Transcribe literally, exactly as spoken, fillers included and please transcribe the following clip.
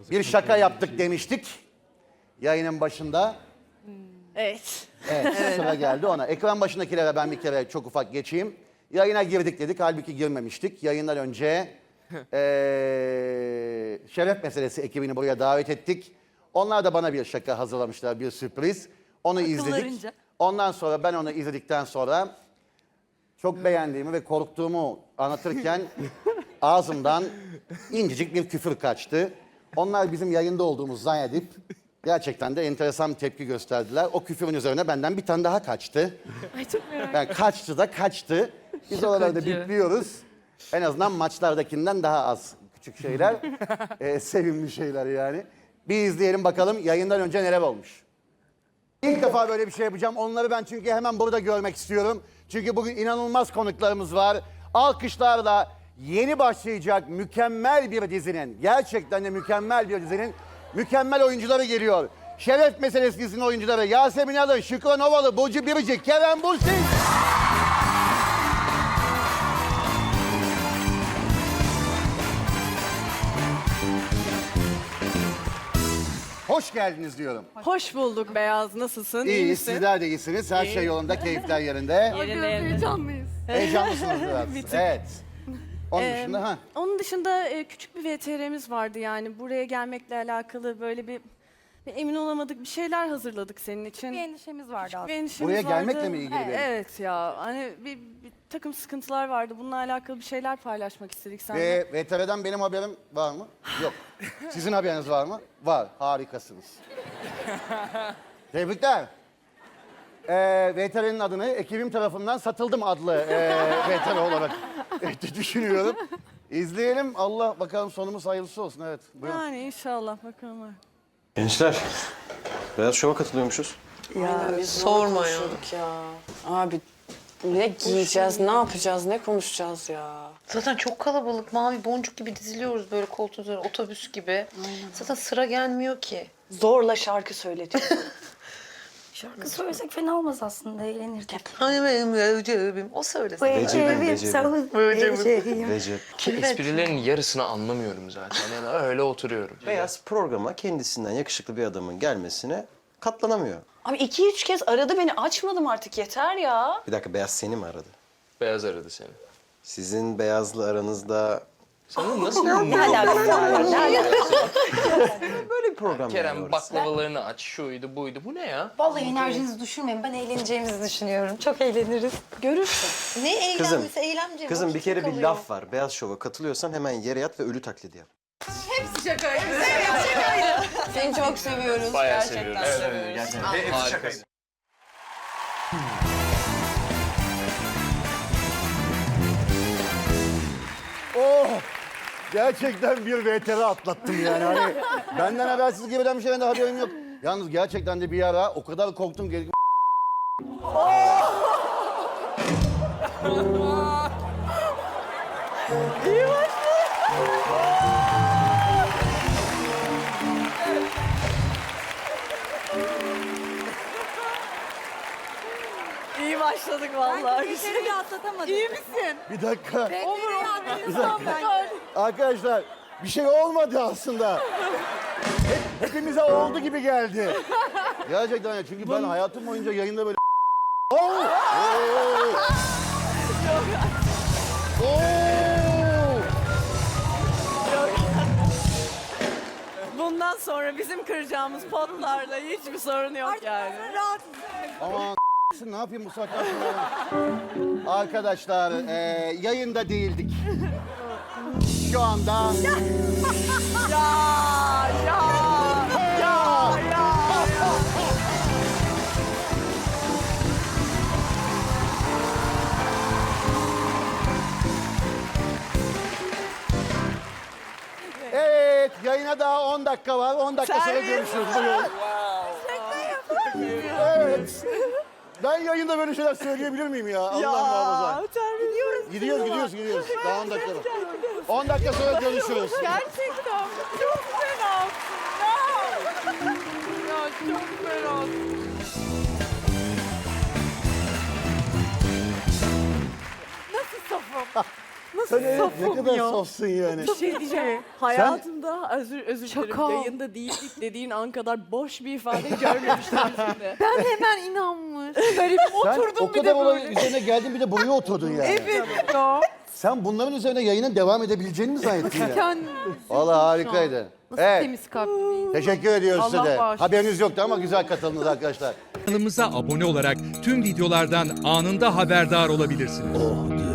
Bir şaka yaptık demiştik yayının başında. Evet. Evet, sıra geldi ona. Ekran başındakilere ben bir kere çok ufak geçeyim. Yayına girdik dedik, halbuki girmemiştik. Yayından önce ee, şeref meselesi ekibini buraya davet ettik. Onlar da bana bir şaka hazırlamışlar, bir sürpriz. Onu izledik. Akıllarınca. Ondan sonra ben onu izledikten sonra çok beğendiğimi ve korktuğumu anlatırken ağzımdan incecik bir küfür kaçtı. Onlar bizim yayında olduğumuzu zannedip gerçekten de enteresan bir tepki gösterdiler. O küfürün üzerine benden bir tane daha kaçtı. Ay çok merak Yani kaçtı da kaçtı. Biz oralarda bipliyoruz. En azından maçlardakinden daha az küçük şeyler. Ee, sevimli şeyler yani. Bir izleyelim bakalım yayından önce neler olmuş. İlk defa böyle bir şey yapacağım. Onları ben çünkü hemen burada görmek istiyorum. Çünkü bugün inanılmaz konuklarımız var. Alkışlarla yeni başlayacak mükemmel bir dizinin, gerçekten de mükemmel bir dizinin mükemmel oyuncuları geliyor. Şeref Meselesi dizinin oyuncuları Yasemin Alı, Şükran Ovalı, Burcu Biricik, Kerem Bürsin. Hoş geldiniz diyorum. Hoş bulduk Beyaz. Nasılsın? İyi İyiyiz, misin? sizler de iyisiniz. Her şey yolunda, keyifler yerinde. Yerinde, yerinde. Heyecanlıyız. Heyecanlısınız biraz. Evet. Onun Ee, dışında ha. Onun dışında e, küçük bir V T R'miz vardı yani. Buraya gelmekle alakalı böyle bir, bir emin olamadık bir şeyler hazırladık senin için. Bir endişemiz vardı Bir aslında. endişemiz Buraya vardı. gelmekle mi ilgili Evet, benim? evet ya. Hani bir, bir takım sıkıntılar vardı. Bununla alakalı bir şeyler paylaşmak istedik seninle. Ve V T R'den benim haberim var mı? Yok. Sizin haberiniz var mı? Var. Harikasınız. Tebrikler. Ee, V T R'nin adını ekibim tarafından satıldım adlı ee, V T R olarak ee, düşünüyorum. İzleyelim. Allah bakalım sonumuz hayırlısı olsun. Evet. Buyurun. Yani inşallah bakalım. Gençler, Beyaz Şov'a katılıyormuşuz. Ya sorma ya. ya. Abi ne giyeceğiz, ne yapacağız, ne konuşacağız ya? Zaten çok kalabalık. Mavi boncuk gibi diziliyoruz böyle koltuğun üzerine, otobüs gibi. Zaten sıra gelmiyor ki. Zorla şarkı söyletiyor. Şarkı söylesek fena olmaz aslında, eğlenirdik. Hani benim Recep'im. O söylesin. Recep'im, Recep'im. Recep. Ki esprilerin yarısını anlamıyorum zaten. Yani öyle oturuyorum. Beyaz programa kendisinden yakışıklı bir adamın gelmesine katlanamıyor. Abi iki üç kez aradı beni, açmadım artık, yeter ya. Bir dakika, Beyaz seni mi aradı? Beyaz aradı seni. Sizin Beyaz'la aranızda Sen nasıl Ne alakası var? Ne alakası var? böyle bir program yani Kerem orası. baklavalarını aç, şuydu buydu. Bu ne ya? Vallahi enerjinizi düşürmeyin. Ben eğleneceğimizi düşünüyorum. Çok eğleniriz. Görürsün. Ne eğlenmesi, Kızım, eğlence. Kızım bir kere bir kalıyor. laf var. Beyaz Şov'a katılıyorsan hemen yere yat ve ölü taklidi yap. Seni çok seviyoruz. Bayağı gerçekten. seviyoruz. Gerçekten. Harikasın. Oh! Gerçekten bir V T R atlattım yani. Hani benden habersiz giriden bir şeyden de haberim yok. Yalnız gerçekten de bir ara o kadar korktum ki... İyi başladık vallahi. Bir kere de atlatamadık. İyi misin? Bir dakika. Olur Bir dakika. Arkadaşlar bir şey olmadı aslında. Hep, hepimize oldu gibi geldi. Gerçekten ya, çünkü ben hayatım boyunca yayında böyle... Oo! Oo! Oo! Bundan sonra bizim kıracağımız potlarla hiçbir sorun yok yani. Aman ne yapayım bu saatten sonra? Arkadaşlar e, yayında değildik. Şu anda... Ya ya ya ya. Evet, yayına daha on dakika var. on dakika sonra Servis. görüşürüz. Buyurun. Evet. Ben yayında böyle şeyler söyleyebilir miyim ya? Allah muhafaza. Gidiyoruz. Gidiyoruz, gidiyoruz, gidiyoruz. Daha on dakika var. on dakika sonra görüşürüz. Gerçekten çok fenasın ya. Ya çok fenasın. Nasıl safım? Nasıl Evet, ne kadar sofsun yani. Bir şey diyeceğim. Hayatımda özür özür dilerim. Şaka. Yayında değildik dediğin an kadar boş bir ifade görmemiştim yüzünde. Ben hemen inanmış. Böyle Sen oturdum o bir kadar de olayın böyle. üzerine geldin bir de buraya oturdun yani. Evet ya. Sen bunların üzerine yayının devam edebileceğini mi zannettin ya? Kendim Valla harikaydı. nasıl Evet. temiz kalpli bir insan. Teşekkür ediyoruz size Allah de. bağışlasın. Haberiniz yoktu ama güzel katıldınız arkadaşlar. Kanalımıza abone olarak tüm videolardan anında haberdar olabilirsiniz.